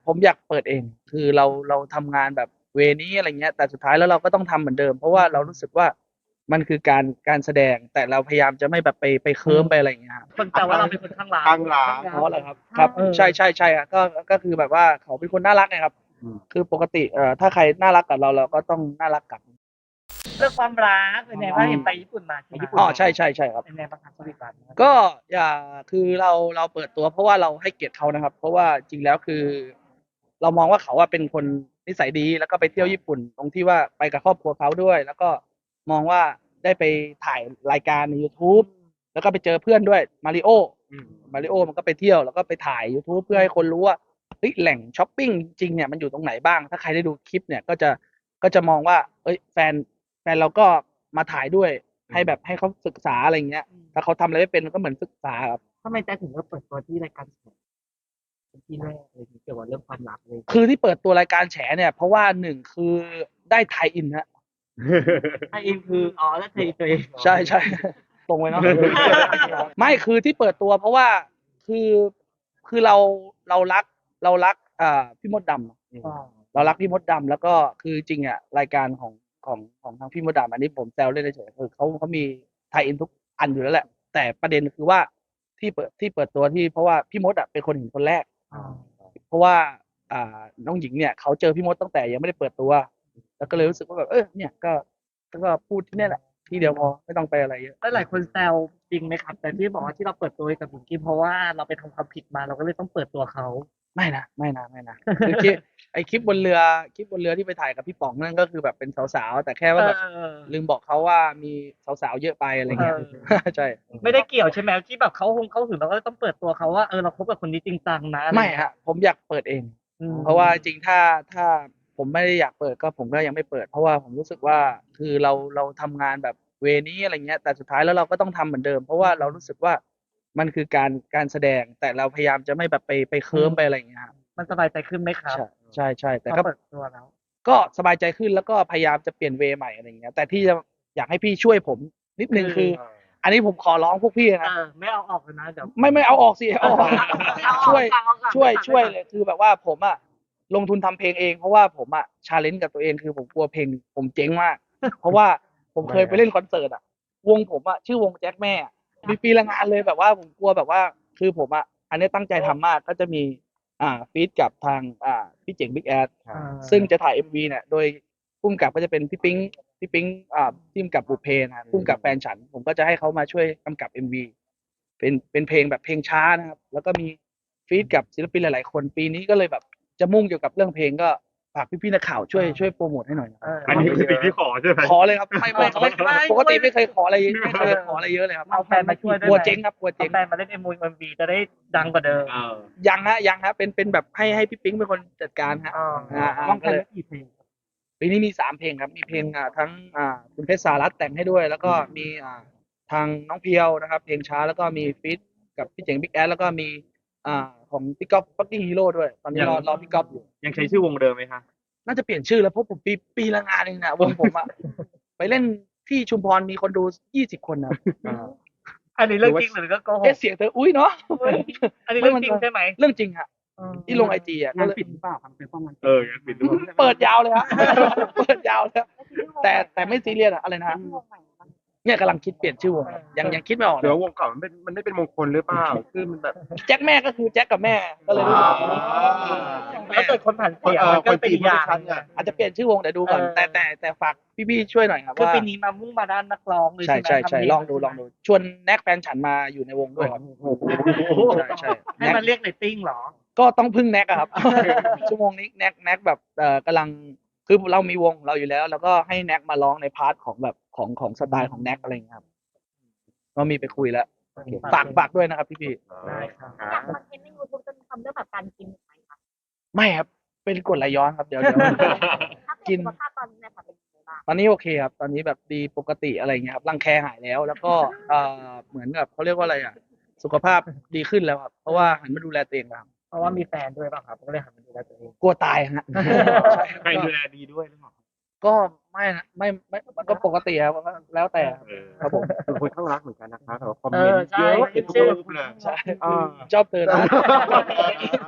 ผมอยากเปิดเอง คือเราทำงานแบบเวนี้อะไรเงี้ยแต่สุดท้ายแล้วเราก็ต้องทำเหมือนเดิมเพราะว่าเรารู้สึกว่ามันคือการแสดงแต่เราพยายามจะไม่แบบไปเคิร์มไปอะไรอย่างเงี้ยครับคนแซวว่าเราเป็นคนข้างรักข้างหลังเพราะอะไรครับครับใช่ใช่ใช่ครับก็คือแบบว่าเขาเป็นคนน่ารักไงครับคือปกติถ้าใครน่ารักกับเราก็ต้องน่ารักกลับเรื่องความรักเป็นไงบ้างเห็นไปญี่ปุ่นมาใช่ไหมอ๋อใช่ใช่ใช่ครับเป็นไงบ้างครับชีวิตบ้านก็อย่าคือเราเปิดตัวเพราะว่าเราให้เกียรติเขานะครับเพราะว่าจริงแล้วคือเรามองว่าเขาเป็นคนนิสัยดีแล้วก็ไปเที่ยวญี่ปุ่นตรงที่ว่าไปกับครอบครัวเขาด้วยแล้วก็มองว่าได้ไปถ่ายรายการใน YouTube แล้วก็ไปเจอเพื่อนด้วยมาริโอมันก็ไปเที่ยวแล้วก็ไปถ่าย YouTube เพื่อให้คนรู้ว่าเฮ้ยแหล่งช้อปปิ้งจริงเนี่ยมันอยู่ตรงไหนบ้างถ้าใครได้ดูคลิปเนี่ยก็จะมองว่าเอ้ยแฟนเราก็มาถ่ายด้วยให้แบบให้เขาศึกษาอะไรเงี้ย ถ้าเขาทำอะไรไม่เป็นก็เหมือนศึกษาครับทำไมแจ๊คถึงเลือกเปิดตัวที่รายการแฉเป็นที่แรกเลยเกี่ยวกับเรื่องความรักเลยคือที่เปิดตัวรายการแฉเนี่ยเพราะว่าหนึ่งคือได้ไทยอินฮะไทยอินคือแล้วไทยตัวเองใช่ใช่ตรงไว้เนาะไม่คือที่เปิดตัวเพราะว่าคือคือเรารักพี่มดดำเรารักพี่มดดำแล้วก็คือจริงรายการของทางพี่มดดำอันนี้ผมแซวเล่นเฉยๆคือเขามีไทยอินทุกอันอยู่แล้วแหละแต่ประเด็นคือว่าที่เปิดตัวที่เพราะว่าพี่มดเป็นคนเห็นคนแรกเพราะว่าน้องหญิงเนี่ยเขาเจอพี่มดตั้งแต่ยังไม่ได้เปิดตัวแล้วก็เลยรู้สึกว่าแบบเนี่ยก็พูดที่นี่แหละที่เดียวพอไม่ต้องไปอะไรเยอะหลายคนแซวจริงไหมครับแต่ที่บอกว่าที่เราเปิดตัวกับหญิงกี้เพราะว่าเราไปทำความผิดมาเราก็เลยต้องเปิดตัวเขาไม่นะคือคลิปบนเรือที่ไปถ่ายกับพี่ป๋องนั่นก็คือแบบเป็นสาวๆแต่แค่ว่าแบบลืมบอกเขาว่ามีสาวๆเยอะไปอะไรเงี้ยใช่ไม่ได้เกี่ยวใช่ไหมที่แบบเขาถึงเราก็ต้องเปิดตัวเขาว่าเราคบกับคนนี้จริงจังนะไม่ฮะผมอยากเปิดเองเพราะว่าจริงถ้าผมไม่ได้อยากเปิดก็ผมก็ยังไม่เปิดเพราะว่าผมรู้สึกว่าคือเราทำงานแบบเวนี้อะไรเงี้ยแต่สุดท้ายแล้วเราก็ต้องทำเหมือนเดิมเพราะว่าเรารู้สึกว่ามันคือการแสดงแต่เราพยายามจะไม่แบบไปเคิร์มไปอะไรอย่างเงี้ยครับมันสบายใจขึ้นไหมครับใช่แต่ก็เปิดตัวแล้วก็สบายใจขึ้นแล้วก็พยายามจะเปลี่ยนเวย์ใหม่อะไรอย่างเงี้ยแต่ที่จะอยากให้พี่ช่วยผมนิดนึงคืออันนี้ผมขอร้องพวกพี่นะไม่เอาออกเลยนะเดี๋ยวไม่เอาออกสิเอาออกช่วยเลยคือแบบว่าผมลงทุนทำเพลงเองเพราะว่าผมชาเลนจ์กับตัวเองคือผมกลัวเพลงผมเจ๊งมากเพราะว่าผมเคยไปเล่นคอนเสิร์ตวงผมชื่อวงแจ็คแม่มีปีละงานเลยแบบว่าผมกลัวแบบว่าคือผมอันนี้ตั้งใจทำมากก็จะมีฟีดกับทางพี่เจ๋งบิ๊กแอดซึ่งจะถ่าย MV เนี่ยโดยพุ่มกับก็จะเป็นพี่ปิ๊งที่กำกับบุพเพนะพุ่มกับแฟนฉันผมก็จะให้เขามาช่วยกำกับ MV เป็นเพลงแบบเพลงช้านะครับแล้วก็มีฟีดกับศิลปินหลายๆคนปีนี้ก็เลยแบบจะมุ่งเกี่ยวกับเรื่องเพลงก็ฝากพี่ๆนักข่าวช่วยโปรโมทให้หน่อยอันนี้คือสิ่งที่ขอใช่ไหมขอเลยครับไม่ปกติไม่เคยขออะไรเยอะเลยครับเอาแฟนมาช่วยด้วยกลัวเจ๊งครับกลัวเจ๊งแฟนมาเล่นMVจะได้ดังกว่าเดิมยังฮะเป็นแบบให้พี่ปิ๊งเป็นคนจัดการฮะวางแผนกี่เพลงปีนี้มี3เพลงครับมีเพลงทั้งคุณเพชรสารัตน์แต่งให้ด้วยแล้วก็มีทางน้องเพียวนะครับเพลงช้าแล้วก็มีฟีดกับพี่เจ๋งบิ๊กแอดแล้วก็มีของพี่ก๊อฟฟักกิ้งฮีโร่ด้วยตอนนี้รอพี่ก๊อฟอยู่ยังใช้ชื่อวงเดิมไหมคะน่าจะเปลี่ยนชื่อแล้วเพราะผมปีละงานเองนะวงผมไปเล่นที่ชุมพรมีคนดู20 คนนะอันนี้เรื่องจริงหรือก็โกหกเสียงเธออุ้ยเนาะอันนี้เรื่องจริงใช่ไหมเรื่องจริงฮะที่ลงIG งานปิดหรือเปล่าครับเป็นป้องกันงานปิดเปิดยาวเลยฮะเปิดยาวเลยแต่ไม่ซีเรียสอะไรนะเนี่ยกำลังคิดเปลี่ยนชื่อวงยังคิดไม่ออกเดี๋ยววงเก่ามันไม่เป็นมงคลหรือเปล่าคือมันแบบแจ็คแม่ก็คือแจ็คกับแม่ก็เลยรู้สึกแล้วเกิดคนผ่านเสียก็เป็นอย่างอาจจะเปลี่ยนชื่อวงแต่ดูก่อนแต่ฝากพี่ๆช่วยหน่อยครับคือว่าปีนี้มามุ่งมาด้านนักร้องเลยใช่ลองดูชวนแน็กแฟนฉันมาอยู่ในวงด้วยครับใช่ให้มันเรียกเรตติ้งเหรอก็ต้องพึ่งแน็กครับชั่วโมงนี้แน็กแบบกำลังคือเรามีวงเราอยู่แล้วแล้วก็ให้แน็กมาร้องในพาร์ทของแบบของสไตล์ของแน็กอะไรอย่างเงี้ยครับก็มีไปคุยแล้วฝากด้วยนะครับพี่ได้ครับจากคอนเทนต์ใน YouTube จะทำเรื่องแบบการกินไหมคะไม่ครับเป็นกรดไหลย้อนครับเดี๋ยวกินสุขภาพตอนนี้นะคะเป็นยังไงบ้างตอนนี้โอเคครับตอนนี้แบบดีปกติอะไรเงี้ยครับรังแคหายแล้วก็เหมือนกับเขาเรียกว่าอะไรสุขภาพดีขึ้นแล้วครับเพราะว่าหันมาดูแลตัวเองแล้วเพราะว่ามีแฟนด้วยป่ะครับก็เลยหันมาดูแลตัวเองกลัวตายฮะใครดูแลดีด้วยหรือเปล่าก็ไม่มันก็ปกติครับแล้วแต่ครับผมเป็นคนข้างรักเหมือนกันนะคะแต่คอมเมนต์เยอะเห็นทุกรูปเลยใช่ชอบเธอนะ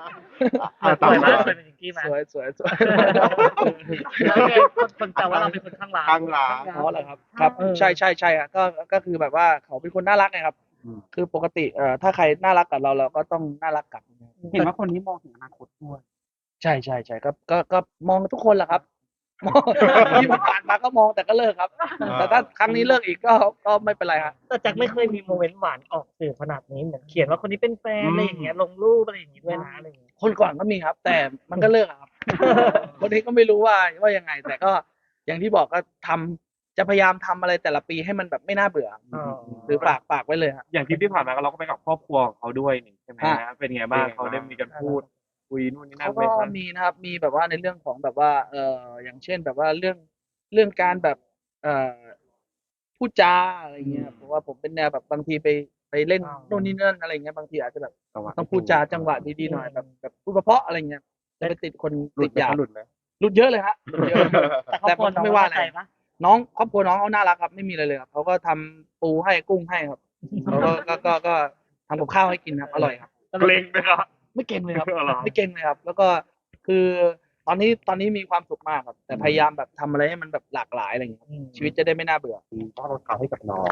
สวยมากสวยเป็นพิงกี้ไหมสวยสวยสวยแล้วไงคนแต่ว่าเราเป็นคนข้างรักข้างรักอ๋อเหรอครับครับใช่ใช่ใช่ครับก็คือแบบว่าเขาเป็นคนน่ารักไงครับอืมคือปกติถ้าใครน่ารักกับเราเราก็ต้องน่ารักกลับเห็นว่าคนนี้มองถึงอนาคตด้วยใช่ใช่ใช่ก็มองทุกคนแหละครับ มองที่ผ่านมาก็มองแต่ก็เลิกครับ แต่ถ้าครั้งนี้เลิกอีกก็ไม่เป็นไรครับแต่แจ็คไม่เคยมีโมเมนต์หวานออกสื่อขนาดนี้เหมือนเขียนว่าคนนี้เป็นแฟนอะไรอย่างเงี้ยลงรูปอะไรอย่างงี้ด้วยนะอะไรอย่างเงี้ยคนก่อนก็มีครับ แต่มันก็เลิกอะครับ คนนี้ก็ไม่รู้ว่ายังไง แต่ก็อย่างที่บอกก็ทำจะพยายามทำอะไรแต่ละปีให้มันแบบไม่น่าเบื่อ หรือฝากไว้เลยครับอย่างทริปที่ผ่านมาเราก็ไปกับครอบครัวของเขาด้วยนี่ใช่ไหมอ่ะฮะเป็นไงบ้างเขาได้มีการพูดคุยนู่นนี่นั่นเขาไหมก็ครับมีนะครับมีแบบว่าในเรื่องของแบบว่าอย่างเช่นแบบว่าเรื่องการแบบเอ่อพูดจาอะไรเงี้ยเพราะว่าผมเป็นแนวแบบบางทีไปเล่นโน่นนี่นั่นอะไรเงี้ยบางทีอาจจะแบบต้องพูดจาจังหวะดีๆหน่อยแบบพูดเพราะๆอะไรเงี้ยจะไปติดคนหลุติดดหยาบหลุดไหมหลุดเยอะเลยฮะหลุดเยอะแต่ครอบครัวน้องไม่ว่าอะไรเข้ใจปะน้องครอบครัวน้องเขาน่ารักครับไม่มีอะไรเลยครับเขาก็ทำปูให้กุ้งให้ครับเขาก็ทำกับข้าวให้กินครับอร่อยครับเกรงไหมครับไม่เก่งเลยครับเหรอไม่เก่งเลยครับ แล้วก็คือตอนนี้มีความสุขมากครับ แต่พยายามแบบทำอะไรให้มันแบบหลากหลายอะไรอย่างเงี้ยครับชีวิตจะได้ไม่น่าเบื่อต้องรถเขาให้กับน้อง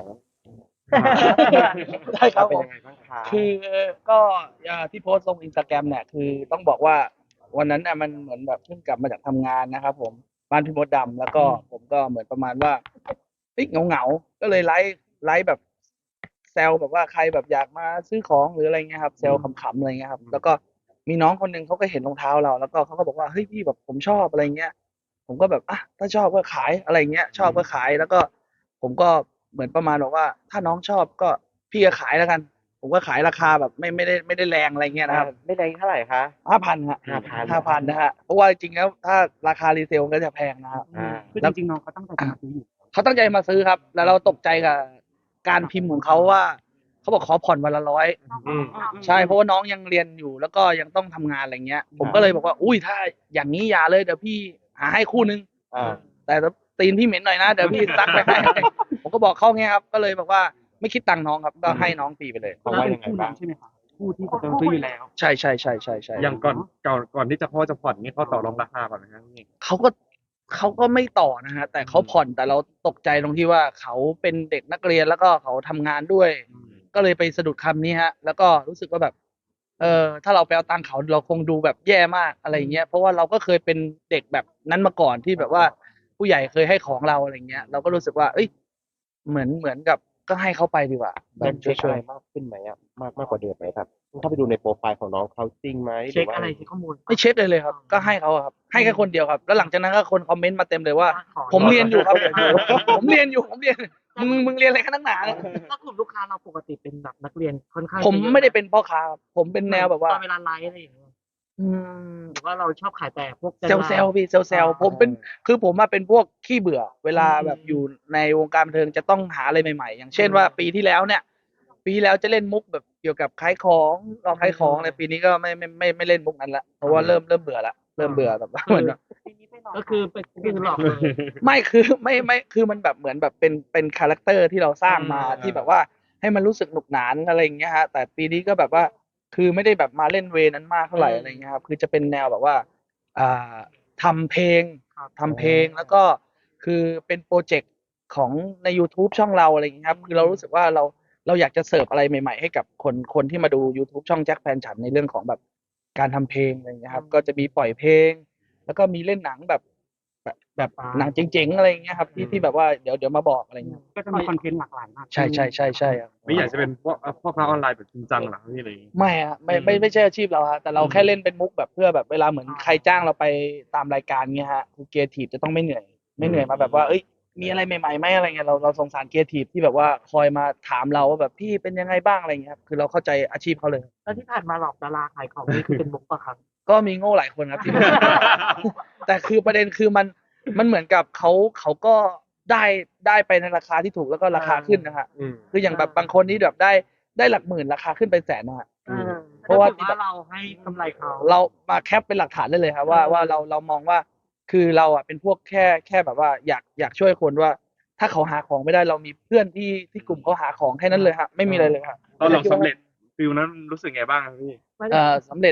ได้ครับเป็นผมยังไงบ้างคะคือก็ที่โพสต์ลงอินสตาแกรมเนี่ยคือต้องบอกว่าวันนั้นน่ะมันเหมือนแบบเพิ่งกลับมาจากทำงานนะครับผมบ้านพี่มดดำแล้วก็ผมก็เหมือนประมาณว่าเหงาก็เลยไลฟ์แบบแซวแบบว่าใครแบบอยากมาซื้อของหรืออะไรเงี้ยครับแซวขำๆอะไรเงี้ยครับแล้วก็มีน้องคนหนึ่งเขาก็เห็นรองเท้าเราแล้วก็เขาก็บอกว่าเฮ้ยพี่แบบผมชอบอะไรเงี้ยผมก็แบบอ่ะถ้าชอบก็ขายอะไรเงี้ยชอบก็ขายแล้วก็ผมก็เหมือนประมาณบอกว่าถ้าน้องชอบก็พี่ก็ขายแล้วกัน ผมก็ขายราคาแบบไม่ได้แรงอะไรเงี้ยนะครับไม่ได้เท่าไหร่คะ 5,000ฮะ 5,000 5,000นะฮะเพราะว่าจริงๆแล้วถ้าราคารีเซลก็จะแพงนะฮะคือจริงๆน้องเขาตั้งใจจะมาซื้ออยู่เขาตั้งใจมาซื้อครับ แล้วเราตกใจกับการพิมพ์ของเขาว่าเขาบอกขอผ่อนวันละ100 อืมใช่เพราะว่าน้องยังเรียนอยู่แล้วก็ยังต้องทำงานอะไรเงี้ย ผมก็เลยบอกว่าอุ้ยถ้าอย่างนี้อย่าเลยเดี๋ยวพี่หาให้คู่นึง แต่ตีนพี่เหม็นหน่อยนะเดี๋ยวพี่ซักไปให้ ผมก็บอกเขาเงี้ยครับ ก็เลยบอกว่าไม่คิดตังค์น้องครับ ก็ให้น้องฟรีไปเลยเขาว่ายังไงบ้างใช่ไหมคะคู่ที่เขาซื้ออยู่แล้วใช่อย่างก่อนที่จะพ่อจะผ่อนนี่เขาต่อรองราคาก่อนไหมครับพี่เขาก็ไม่ต่อนะฮะแต่เขาผ่อนแต่เราตกใจตรงที่ว่าเขาเป็นเด็กนักเรียนแล้วก็เขาทำงานด้วย ก็เลยไปสะดุดคำนี้ฮะ แล้วก็รู้สึกว่าแบบ ถ้าเราไปเอาตังค์เขาเราคงดูแบบแย่มากอะไรเงี้ย เพราะว่าเราก็เคยเป็นเด็กแบบนั้นมาก่อนที่แบบว่าผู้ใหญ่เคยให้ของเราอะไรเงี้ย เราก็รู้สึกว่า เอ้ย เหมือนกับก็ให้เขาไปดีกว่าแบเริ่บมเช็คช่อะวไรยมากขึ้นไหมอ่ะมากกว่าเดิมไหมครับเข้าไปดูในโปรไฟล์ของน้องเขาจริงไหมเช็คอะไรที่ข้อมูลๆไม่เช็คเลยครับ ก็ให้เขาอะครับ ให้แค่คนเดียวครับ แล้วหลังจากนั้นก็คนคอมเมนต์มาเต็มเลยว่า ผมเรียนอยู่ครับ ผมเรียนมึงเรียนอะไรกันนักหนาเนี่ยถ้ากลุ่มลูกค้าเราปกติเป็นแบบนักเรียนค่อนข้างผมไม่ได้เป็นพ่อค้าครับผมเป็นแนวแบบว่าตอนเวลาไลฟ์อะไรอย่างเงี้ยอืมหรือว่าเราชอบขายแต่พวกเซลพี่เซลผมเป็นคือผมมาเป็นพวกขี้เบื่อ เวลาแบบอยู่ในวงการบันเทิงจะต้องหาอะไรใหม่ๆ อย่างเช่นว่าปีที่แล้วเนี่ย ปีที่แล้วจะเล่นมุกแบบเกี่ยวกับขายของลองขายของอะไรปีนี้ก็ไม่เล่นมุกนั้นละเพราะว่าเริ่มเบื่อละเริ่มเบื่อแบบว่าเหมือนแบบก็คือเป็นหลอกเลยไม่คือไม่คือมันแบบเหมือนแบบเป็นคาแรคเตอร์ที่เราสร้างมาที่แบบว่าให้มันรู้สึกหนุกหนานอะไรอย่างเงี้ยฮะแต่ปีนี้ก็แบบว่าคือไม่ได้แบบมาเล่นเวนั้นมากเท่าไหร่อะไรเงี้ยครับคือจะเป็นแนวแบบว่าอ่าทำเพลงแล้วก็คือเป็นโปรเจกต์ของใน YouTube ช่องเราอะไรอย่างเงี้ยครับคือเรารู้สึกว่าเราอยากจะเสิร์ฟอะไรใหม่ๆให้กับคนที่มาดู YouTube ช่องแจ็คแฟนฉันในเรื่องของแบบการทำเพลงอะไรอย่างเงี้ยครับก็จะมีปล่อยเพลง แล้วก็มีเล่นหนังแบบหนังเจ๋งๆอะไรอย่างเงี้ยครับที่แบบว่าเดี๋ยวมาบอกอะไรเงี้ยก็จะมีคอนเทนต์หลากหลายมากใช่ครับไม่อยากจะเป็นพ่อค้าออนไลน์แบบจริงจังเหรอพี่เลยไม่ฮะไม่ใช่อาชีพเราฮะแต่เราแค่เล่นเป็นมุกแบบเพื่อแบบเวลาเหมือนใครจ้างเราไปตามรายการเงี้ยฮะคือครีเอทีฟจะต้องไม่เหนื่อยมาแบบว่าเอ้ยมีอะไรใหม่ๆไหมอะไรเงี้ยเราสงสารครีเอทีฟที่แบบว่าคอยมาถามเราว่าแบบพี่เป็นยังไงบ้างอะไรเงี้ยครับคือเราเข้าใจอาชีพเขาเลยแล้วที่ผ่านมาหลอกดาราขายของนี่คือเป็นมุกปะครับก็มีโง่หลายคนครับที่ แต่คือประเด็นคือมันเหมือนกับเขาก็ได้ไปในราคาที่ถูกแล้วก็ราคาขึ้นนะฮะคืออย่างแบบบางคนที่แบบได้หลักหมื่นราคาขึ้นไปแสนนะฮะ เพราะว่าเราให้กำไรเขาเรามาแคปเป็นหลักฐานได้เลยครับว่าเรามองว่าคือเราอ่ะเป็นพวกแค่แบบว่าอยากช่วยคนว่า ถ้าเขาหาของไม่ได้เรามีเพื่อนที่กลุ่มเขาหาของแค่นั้นเลยฮะไม่มีอะไรเลยครับตอนเราสำเร็จฟิลนั้นรู้สึกไงบ้างครับพี่สำเร็จ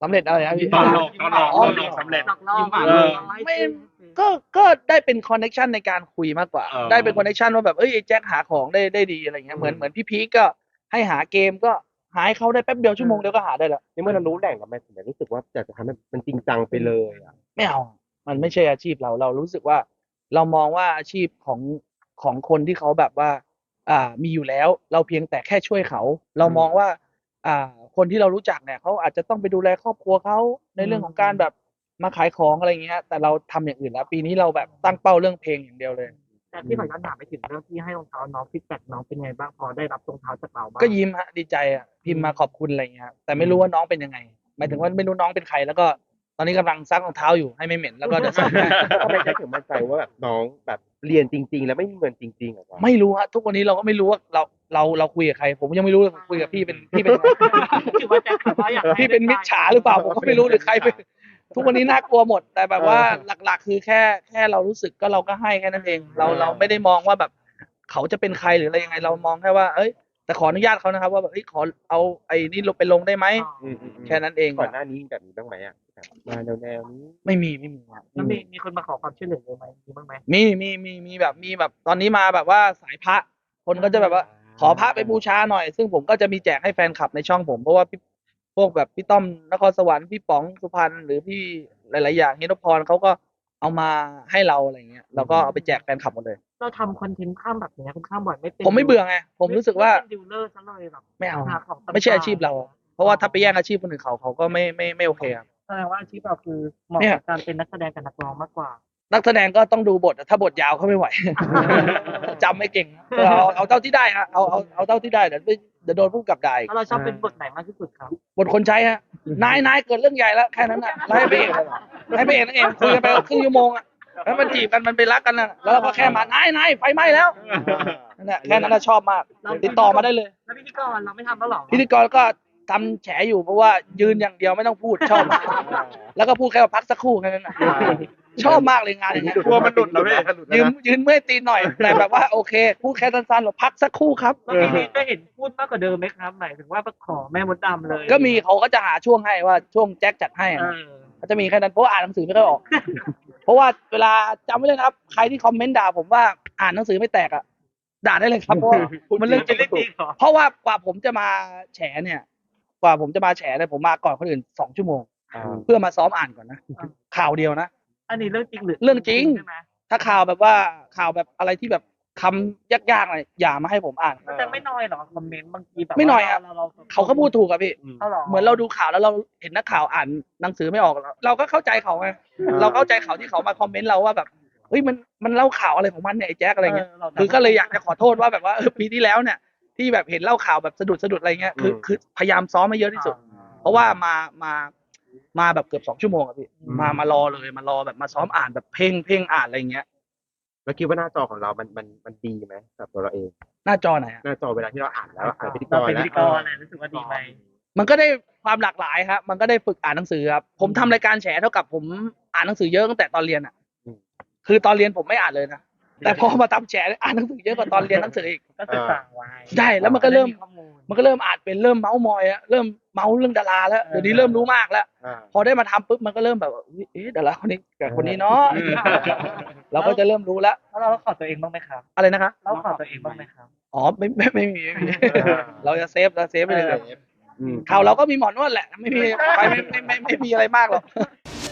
สำเร็จอะไรนะพี่ตอนหลอกสำเร็จหลอกล่อเออไม่ก็ได้เป็นคอนเนคชันในการคุยมากกว่า ได้เป็นคอนเนคชันว่าแบบไอ้แจ็คหาของได้ดีอะไรเงี้ยเหมือนพี่พีคก็ให้หาเกมก็หาให้เขาได้แป๊บเดียวชั่วโมงเดียวก็หาได้แล้วในเมื่อเรารู้แหล่งกับมันถึงรู้สึกว่าอยากจะทำให้มันจริงจังไปเลยอ่ะไม่เอามันไม่ใช่อาชีพเรารู้สึกว่า เรามองว่าอาชีพของคนที่เขาแบบว่า มีอยู่แล้ว เราเพียงแต่แค่ช่วยเขา เรามองว่า คนที่เรารู้จักเนี่ยเขาอาจจะต้องไปดูแลครอบครัวเขาในเรื่องของการแบบมาขายของอะไรเงี้ย แต่เราทำอย่างอื่นแล้ว ปีนี้เราแบบตั้งเป้าเรื่องเพลงอย่างเดียวเลยแต่ที่ขอย้อนถามไปถึงเรื่องที่ให้รองเท้าน้องฟีดแบ็กน้องเป็นไงบ้างพอได้รับรองเท้าจากเราบ้างก็ยิ้มฮะดีใจพิมพ์มาขอบคุณอะไรเงี้ยแต่ไม่รู้ว่าน้องเป็นยังไงหมายถึงว่าไม่รู้น้องเป็นใครแล้วก็ตอนนี้กำลังซักรองเท้าอยู่ให้ไม่เหม็นแล้วก็จะส่งให้ทำไมแจ็คถึงมั่นใจว่าแบบน้องแบบเรียนจริง ๆ แล้วไม่มีเงินจริงๆอ่ะวะไม่รู้ฮะทุกวันนี้เราก็ไม่รู้ว่าเราคุยกับใคร ผมยังไม่รู้เลยผมคุยกับพี่เป็นยังไงถือว่าแจ็คแบบว่าอยากให้พี่เป็นมิจฉาหรือเปล่าผมก็ไม่รู้หรือใครเป็นทุกวันนี้น่ากลัวหมด แต่แบบว่าหลักๆ คือแค่เรารู้สึกก็เราก็ให้แค่นั้นเอง เราไม่ได้มองว่าแบบเขาจะเป็นใครหรืออะไรยังไง เรามองแค่ว่าเอ้ยแต่ขออนุญาตเขานะครับว่าแบบเอ้ยขอเอาไอ้นี่ลงไปลงได้ไหมอืมแค่นั้นเองก่อนหน้านี้แบบนี้บ้างไหมอ่ะแบบมาแนวนี้ไม่มีครับแล้วมีคนมาขอความช่วยเหลือเยอะไหมมีบ้างไหมมีแบบตอนนี้มาแบบว่าสายพระคนก็จะแบบว่า ขอพระไปบูชาหน่อย ซึ่งผมก็จะมีแจกให้แฟนคลับในช่องผมเพราะว่าพวกแบบพี่ต้อมนครสวรรค์พี่ป๋องสุพรรณหรือพี่หลายๆอย่างฮิโนพรเขาก็เอามาให้เราอะไรเงี้ยเราก็เอาไปแจกแฟนคลับหมดเลยเราทำคอนเทนต์ข้ามแบบนี้ค่อนข้างบ่อยไม่เป็นผมไม่เบื่อไงผมรู้สึกว่าไม่เป็นดิวเลอร์ซะเลยแบบไม่เอาหาของต่างๆไม่ใช่อาชีพเรา เพราะว่าถ้าไปแย่งอาชีพคนอื่นเขาก็ไม่โอเคครับแสดงว่าอาชีพเราคือเหมาะเนี่ยกับการเป็นนักแสดงกับนักร้องมากกว่านักแสดงก็ต้องดูบทถ้าบทยาวเขาไม่ไหว จำไม่เก่งเอาเท่าที่ได้ฮะเอาเท่าที่ได้เดี๋ยวโดนผู้กำกับด่าอีกแล้วเราชอบเป็นบทไหนมากที่สุดครับบทคนใช้ฮะนายเกิดเรื่องใหญ่แล้วแค่นั้นน่ะแล้วให้พระเอกนั่นเองคุยกันไปครึ่งชั่วโมงอ่ะแล้วมันจีบกันมันไปรักกันน่ะแล้วเราก็แค่มานายไฟไหม้แล้วนั่นแหละแค่นั้นน่ะชอบมากติดต่อมาได้เลยแล้วพิธีกรเราไม่ทำแล้วหรอพิธีกรก็ทำแฉอยู่เพราะว่ายืนอย่างเดียวไม่ต้องพูดชอบมากแล้วก็พูดแค่ว่าพักสักครู่แค่นั้นน่ะชอบมากเลยงานอย่างเงี้ยกลัวมันหลุดแล้วพี่ยืนเมื่อยตีนหน่อยแต่แบบว่าโอเคพูดแค่สั้นๆหรอพักสักครู่ครับแล้วพี่นี้ได้เห็นพูดมากกว่าเดิมไหมครับหมายถึงว่าขอแม่มดดำเลยก็มีเขาก็จะหาช่วงให้ว่าช่วงแจ็คจัดให้เออะอเขาจะมีแค่นั้นเพราะว่าอ่านหนังสือไม่ค่อยออก เพราะว่าเวลาจำไว้เลยนะครับ ใครที่คอมเมนต์ด่าผมว่าอ่านหนังสือไม่แตกอ่ะด่าได้เลยครับเพราะว่ามันเรื่องจริงเล่นจริงเหรอเพราะว่ากว่าผมจะมาแฉเนี่ยผมมาก่อนคนอื่น2 ชั่วโมง เพื่อมาซ้อมอ่านก่อนนะข่าวเดียวนะอันนี้เรื่องจริงหรือเรื่องจริงใช่ไหมถ้าข่าวแบบอะไรที่แบบคำยากๆอะไรอย่ามาให้ผมอ่านมันจะไม่น้อยเหรอคอมเมนต์บางทีแบบไม่น้อยอะเราเขาก็พูดถูกอะพี่เอาหรอเหมือนเราดูข่าวแล้วเราเห็นนักข่าวอ่านหนังสือไม่ออกเราก็เข้าใจเขาไงเราเข้าใจเขาที่เขามาคอมเมนต์เราว่าแบบเฮ้ยมันเล่าข่าวอะไรของมันเนี่ยไอ้แจ๊คอะไรเงี้ยคือก็เลยอยากจะขอโทษว่าแบบว่าปีที่แล้วเนี่ยที่แบบเห็นเล่าข่าวแบบสะดุดอะไรเงี้ยคือพยายามซ้อมให้เยอะที่สุด เพราะว่ามาแบบเกือบ2 ชั่วโมงอะพี่มารอเลยมารอแบบมาซ้อมอ่านแบบเพ่งอ่านอะไรเงี้ยแล้วคิดว่าหน้าจอของเรามันดีไหมกับตัวเราเองหน้าจอไหนอะหน้าจอเวลาที่เราอ่านแล้วอ่านพิธีกเรารเป็นแล้พิวธีกรรู้สึกว่าดีไหมมันก็ได้ความหลากหลายครับมันก็ได้ฝึกอ่านหนังสือครับผมทำรายการแฉเท่ากับผมอ่านหนังสือเยอะตั้งแต่ตอนเรียนอ่ะคือตอนเรียนผมไม่อ่านเลยนะแต่พอมาทำแฉอ่านหนังสือเยอะกว่าตอนเรียนหนังสืออีกก็ศึกษาไว้ได้แล้วมันก็เริ่มข้อมูลอ่านเป็นเริ่มเมาส์มอยอะเริ่มเมาส์เรื่องดาราแล้วเดี๋ยวนี้เริ่มรู้มากแล้ว พอได้มาทำปุ๊บมันก็เริ่มแบบว่าอุ๊ยดาราคนนี้กับคนนี้เนาะเราก็จะเริ่มรู้แล้วแล้วเราขอตัวเองบ้างไหมครับอะไรนะคะเราขอตัวเองบ้างไหมครับอ๋อไม่มีเราจะเซฟไปเลยอืมข่าวเราก็มีหมอนวดแหละไม่มีอะไรมากหรอก